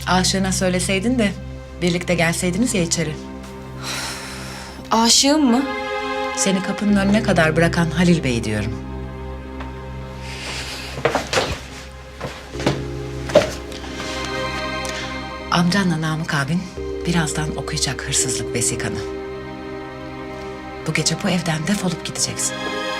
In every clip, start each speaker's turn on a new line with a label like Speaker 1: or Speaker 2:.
Speaker 1: Aşığına söyleseydin de birlikte gelseydiniz ya içeri.
Speaker 2: Aşığım mı?
Speaker 1: Seni kapının önüne kadar bırakan Halil Bey diyorum. Amcanla Namık abin birazdan okuyacak hırsızlık vesikanı. Bu gece bu evden defolup gideceksin.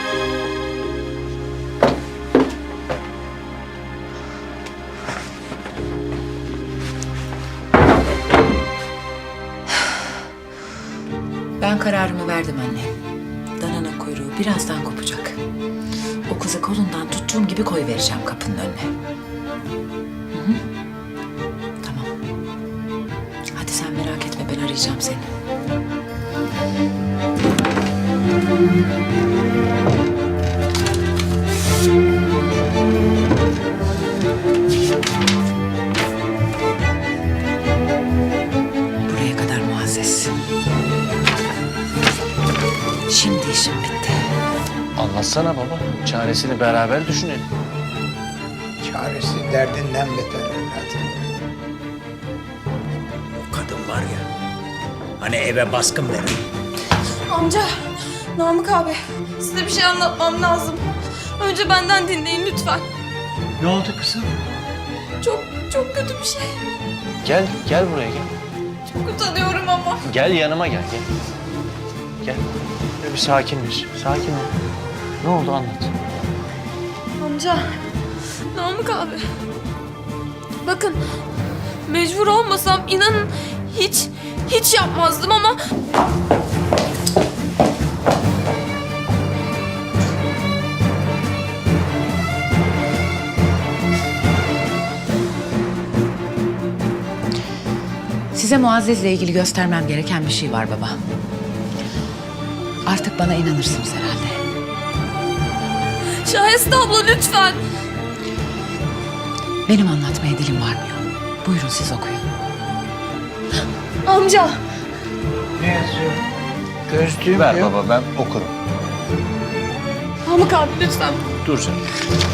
Speaker 1: Ben kararımı verdim anne. Dananın kuyruğu birazdan kopacak. O kızı kolundan tuttuğum gibi koyvereceğim kapının önüne. Hı hı. Tamam. Hadi sen merak etme, ben arayacağım seni. Buraya kadar Muazzez. Şimdi işim bitti.
Speaker 3: Anlatsana baba. Çaresini beraber düşünelim.
Speaker 4: Çaresi derdinden beter evladım. O kadın var ya, hani eve baskın verir.
Speaker 2: Amca, Namık abi. Size bir şey anlatmam lazım. Önce benden dinleyin lütfen.
Speaker 4: Ne oldu kızım?
Speaker 2: Çok kötü bir şey.
Speaker 3: Gel buraya gel.
Speaker 2: Çok utanıyorum ama.
Speaker 3: Gel yanıma gel. Gel. Böyle bir sakinleş. Sakin ol. Ne oldu anlat.
Speaker 2: Amca, Namık abi. Bakın, mecbur olmasam inanın hiç yapmazdım ama...
Speaker 1: Size Muazzez'le ilgili göstermem gereken bir şey var baba. Artık bana inanırsınız herhalde.
Speaker 2: Şahiste abla lütfen.
Speaker 1: Benim anlatmaya dilim varmıyor. Buyurun siz okuyun.
Speaker 2: Amca.
Speaker 4: Ne yazıyor? Gözlüğüm
Speaker 3: Ver
Speaker 4: yok.
Speaker 3: baba ben okurum.
Speaker 2: Namık abi lütfen.
Speaker 3: Dur canım.